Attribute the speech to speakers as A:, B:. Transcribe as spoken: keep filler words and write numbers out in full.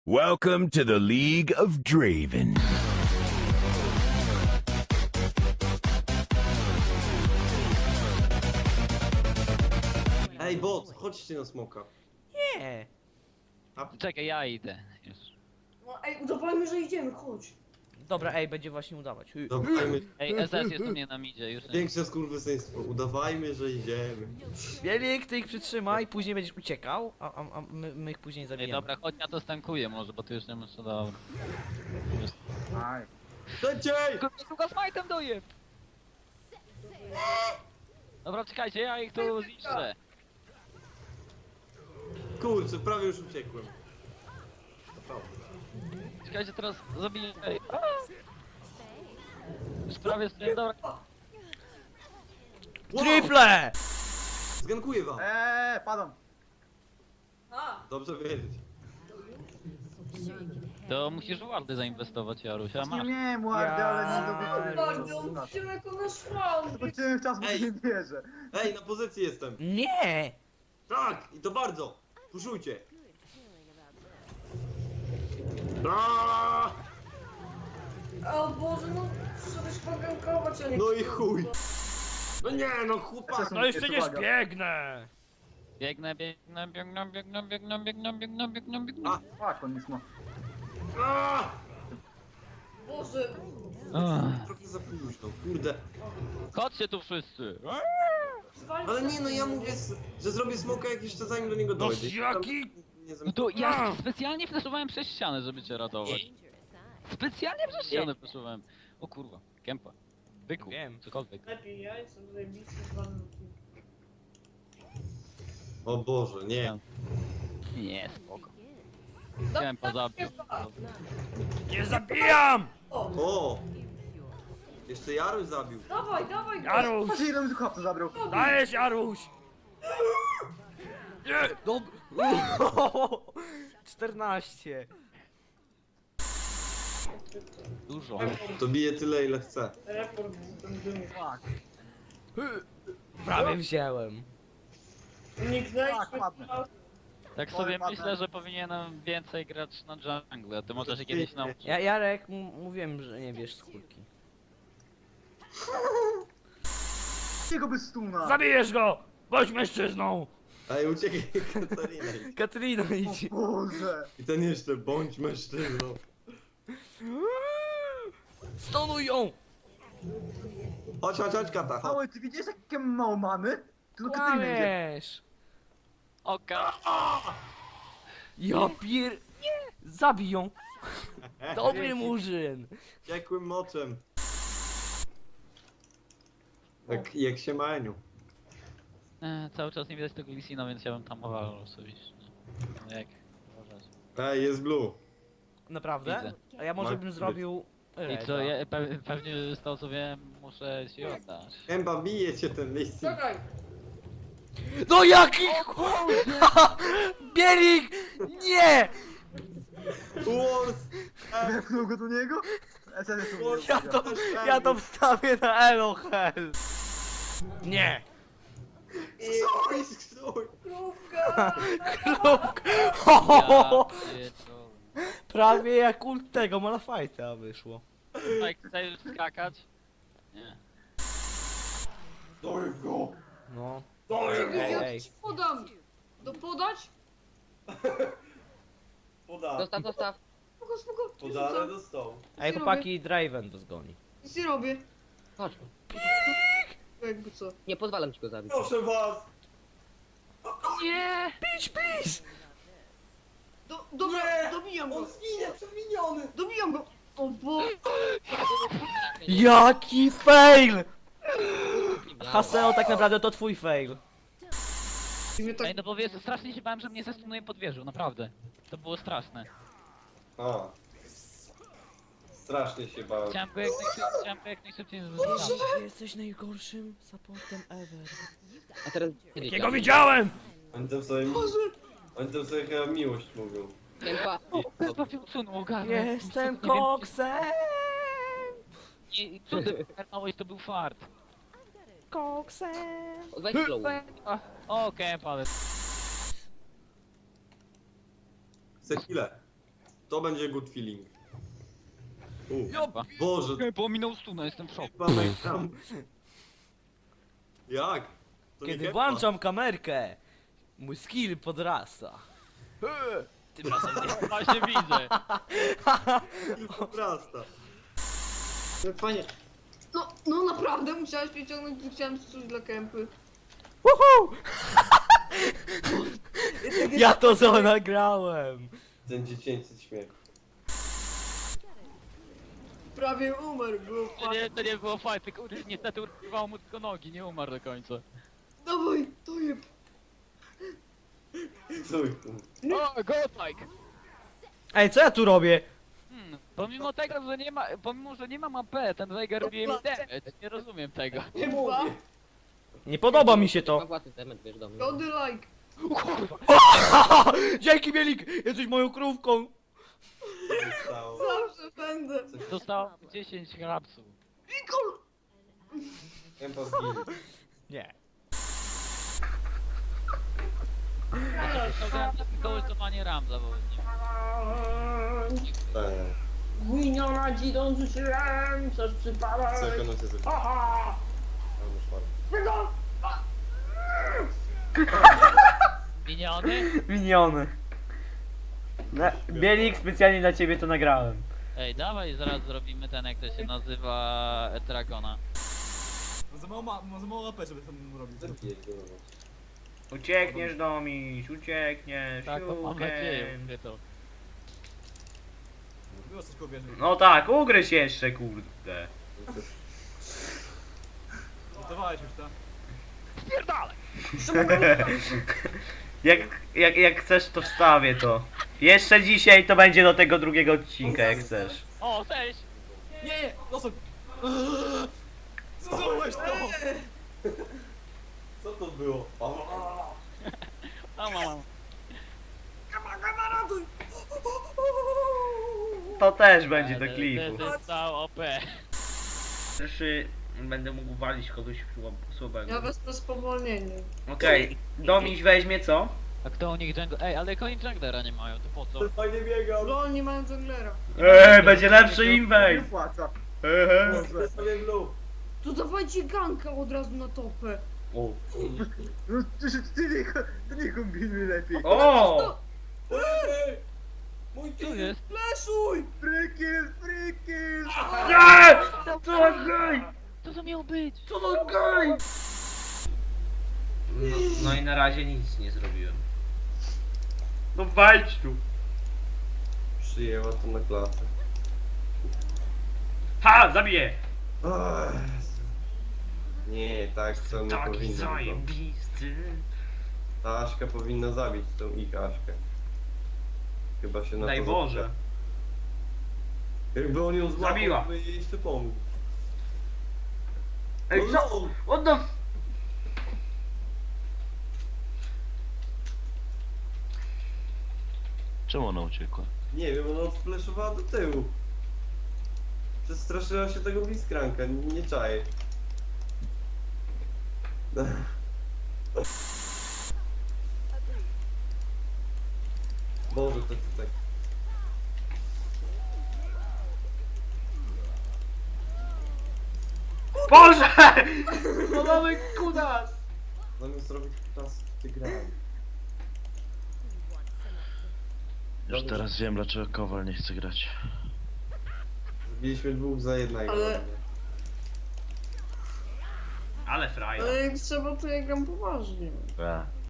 A: Welcome to the League of Draven.
B: Ej, bot, chodźcie na smoka.
C: Nie.
D: Czekaj, ja idę. Już.
E: No ej, udawajmy, że idziemy, chodź.
C: Dobra, ej, będzie właśnie udawać. Hy.
B: Udawajmy.
D: Ej, S S jest u mnie na midzie, już nie.
B: Większe skurwysyństwo. Udawajmy, że idziemy.
C: Bielik, ty ich przytrzymaj, później będziesz uciekał, a, a, a my, my ich później
D: Ej,
C: zabijemy.
D: dobra, chodź, ja to stankuję może, bo ty już nie masz co dobra.
B: Szybciej!
D: Tylko smajtem doje! Dobra, czekajcie, ja ich tu zniszczę.
B: Kurczę, prawie już uciekłem. Naprawdę.
D: Czekajcie, teraz zabiję. Ej. a! Już prawie stoję, dobra.
B: Wow!
C: Triple!
B: Zgankuję wam.
F: Eee, padam.
E: A,
B: Dobrze wiedzieć.
D: To musisz w wardy zainwestować, Jaruś, a
F: Nie
D: masz.
F: miałem ładny, ale nie
C: Ja-
F: dowiedziałem.
E: bardzo, on wziął jako nasz front.
F: Zobaczyłem czas, bo
B: Ej.
F: nie wierzę.
B: Ej, na pozycji jestem.
C: Nie!
B: Tak, i to bardzo. Puszujcie. Aaaa!
E: O Boże, no trzeba się pogankować, a nie...
B: No i chuj. No nie, no chłopak.
F: No jeszcze nie
C: zbiegnę!
D: Biegnę, biegnę, biegnę, biegnę, biegnę, biegnę, biegnę, biegnę, biegnę.
B: A.
F: Fuck, on jest ma.
B: Aaaa!
E: Boże,
D: Ach.
B: Trochę za późno, kurde.
D: Chodźcie tu wszyscy!
E: zwalić
B: Ale nie, no ja mówię, s- że zrobię smoka jak jeszcze zanim do niego dojdzie.
C: jaki?
B: Nie
D: No to ja specjalnie flashowałem przez ścianę, żeby cię ratować. Specjalnie przez ścianę flashowałem. O kurwa, kępa. Byku,
C: Wiem.
D: cokolwiek.
E: lepiej, ja jestem zajebisty z wami.
B: O Boże, nie.
D: Nie, spoko. Kępa zabił.
C: Nie zabijam!
E: O,
B: O! Jeszcze Jaruś zabił.
E: dawaj, dawaj, go.
C: Jaruś!
F: Patrzcie, ile mi tu chłopca zabrał.
C: Dajesz, Jaruś! Nie! Dob... czternaście.
D: Dużo.
B: To bije tyle ile chce.
E: Report ten dym.
F: Fuck.
C: Prawie wziąłem.
E: Nikt znajdzie.
F: Tak, ładne.
D: Tak
F: Oj,
D: sobie
F: ładne.
D: myślę, że powinienem więcej grać na jungle, a ty możesz się kiedyś nauczyć.
C: Ja, Jarek, m- mówiłem, że nie wiesz skórki.
F: Jego bez stuna.
C: Zabijesz go! Bądź mężczyzną!
B: Ej, uciekaj Katarina.
C: Katrina idź.
F: O Boże.
B: I ten jeszcze, bądź mężczyzną.
C: Stonuj ją!
B: Chodź, chodź, chodź, Kata, chodź.
F: Mały, ty widzisz jakie mało mamy? Tu do Katyny idzie.
C: Kłamiesz!
D: Oka!
C: Ja pier... Nie! Zabij ją! Dobry murzyn!
B: Ciekłym moczem. Jak, jak się maniu.
D: E, cały czas nie widać tego Lisina, więc ja bym tam owalał osobiście. No jak? Uważać.
B: Ej, jest blue.
C: Naprawdę?
D: Widzę.
C: A ja może
B: Ma
C: bym
B: być.
C: zrobił...
D: I co, ja, pe, pewnie z tego co wiem, muszę ci oddać.
B: Kępa, bije cię ten listy.
E: Czekaj,
C: No jaki... Bielik! Nie!
B: Wars!
F: Wepchnął go do niego? S S tu mnie
C: Ja
F: ustawia.
C: to, ja to wstawię na Elohel! Nie!
B: Stój, stój!
E: krówka!
C: Kruk!
D: Ja pierdolę.
C: Prawie jak ult tego Malafajta wyszło.
D: Tak, chcesz skakać? Nie.
B: Stój go!
C: No.
E: Czekaj,
C: Ej,
E: ja
C: ej.
E: ci podam. Do podać?
B: Poda.
G: Zostaw, zostaw.
E: Spoko, spoko.
B: Podane do stołu.
C: Ej chłopaki, Draven to zgoni.
E: Nic nie robię.
G: Chodź.
E: Jakby co.
G: Nie pozwalam ci go zabić.
B: Proszę was!
D: Nie!
C: Pisz, pisz!
E: Do, dobra,
B: Nie!
E: dobijam go.
B: On zginie, przewiniony!
E: Dobijam go. O Boże.
C: Jaki fail! Haseo tak naprawdę to twój fail.
E: I mnie tak...
D: Ej, no bo wiesz, strasznie się bałem, że mnie zestunuje pod wieżą, naprawdę. To było straszne.
B: O. Strasznie się bałem.
D: Chciałem go jak najszybciej, chciałem go jak najszybciej zestunąć.
C: Jesteś najgorszym supportem ever.
G: A teraz...
C: Jakiego widziałem!
B: Oni tam sobie... Oni tam sobie chyba miłość mówią.
G: Kępa.
D: O, trafił cunu, ogarnę.
C: Jestem
D: Nie wiem,
C: koksem!
D: Nie, co ty ogarnąłeś, to był fart.
C: Koksem!
G: Weź flow.
D: Okej, okay, ale...
B: Sekile. To będzie good feeling. U.
C: Ja
B: Boże,
D: Ej, pominął stuna, jestem w szoku.
B: pamiętam. Jak? To nie
C: Kiedy
B: Kempa.
C: włączam kamerkę, mój skill podrasta. Tym razem nie.
D: Właśnie widzę.
B: Tylko prasta.
E: No fajnie. No, no naprawdę musiałeś wyciągnąć, gdy chciałem coś dla kępy.
C: Woohoo! Ja to co nagrałem.
B: Ten dziecięcy śmiech.
E: Prawie umarł, było
D: To
E: fajnie.
D: nie, to nie było fajne, tylko ur- niestety urwało mu tylko nogi, nie umarł do końca.
E: Dawaj, to je.
B: Cój.
D: O, godlike!
C: Ej, co ja tu robię?
D: Hmm, pomimo tego, że nie ma, pomimo, że nie mam A P, ten Veigar robi mi damage, nie rozumiem tego.
E: Chyba.
C: Nie podoba mi się
G: Ma
C: to.
G: własny temat, wiesz, do mnie.
E: Gody like.
D: O kurwa!
C: Dzięki Bielik! Jesteś moją krówką!
B: Zostało.
E: Zawsze będę.
D: Dostałem dziesięć hrabsów.
E: Nikol!
B: Kempa zginie.
C: Nie.
D: To grałem na wykołysowanie Ramza, bo nie
B: Tak.
E: Gwiniona dzidą rzuciłem, coś przypadek.
B: Co ekonomia zrobi?
E: Aha!
B: Albo szwarc.
E: Wygo!
D: Miniony?
C: Miniony. Na, Bielik, specjalnie dla ciebie to nagrałem.
D: Ej, dawaj, zaraz zrobimy ten, jak to się nazywa, Dragona.
H: Za mało, ma, za mało A P, żeby tam robić.
B: Zabijaj go.
C: Uciekniesz Domiś, uciekniesz,
D: Tak, to mam nadzieję, mówię to.
H: Było coś koło wieży.
C: No tak, ugryź jeszcze, kurde.
H: Gotowałeś już, tak?
C: Jak, jak, jak chcesz, to wstawię to. Jeszcze dzisiaj to będzie do tego drugiego odcinka, jak chcesz.
D: O, cześć!
H: Nie, nie, losok! Zrozumiałeś to!
B: Co to było?
D: A mam.
C: To też będzie do
D: To
C: klipu.
D: jest cał O P.
C: Jeszcze będę mógł walić kogoś słabego.
E: Ja wezmę spowolnienie.
C: Okej, Domiś weźmie co?
D: A kto u nich jungle... Ej, ale jak oni junglera nie mają, to po co?
B: Fajnie biegał.
E: Lol, nie mają junglera.
C: Eee, będzie lepszy
F: Nie
C: inwej!
F: płaca.
C: Ehe.
F: Boże.
B: Sobie blue.
E: To dawajcie ganka od razu na topę.
B: O.
F: No ty, ty, nie, ty nie kombinuj lepiej.
C: O!
B: Ej! Mój
D: Tu
B: ty!
D: jest.
E: Fleszuj!
F: Frikil, frikil!
C: Nie! Co za gej!
D: Co to miało być?
C: Co za gej! No, no i na razie nic nie zrobiłem. No walcz tu!
B: Przyjęła to na klatę.
C: Ha! Zabiję!
B: Ach, nie, tak co nie
C: Taki
B: powinno. było.
C: zajebisty!
B: Ta Aśka powinna zabić tą ich Aśkę. Chyba się na
C: Daj
B: to
C: Boże!
B: zapisze. Jakby on ją złapał,
C: Zabiła.
B: to by jej jeszcze pomógł.
C: Ej,
B: No
C: co?
B: lol.
C: What the...
A: Czemu ona uciekła?
B: Nie wiem, ona spleszowała do tyłu. Przestraszyła się tego bliskranka, nie, nie czaję. Boże, to to tak.
C: Boże! No mamy kudas!
B: Zamiast robić czas ty grałem.
A: Już teraz wiem, dlaczego Kowal nie chce grać.
B: Zbiliśmy dwóch za jednego.
E: Ale-
C: Ale frajer.
E: Ale jak trzeba, to ja gram poważnie.
A: A.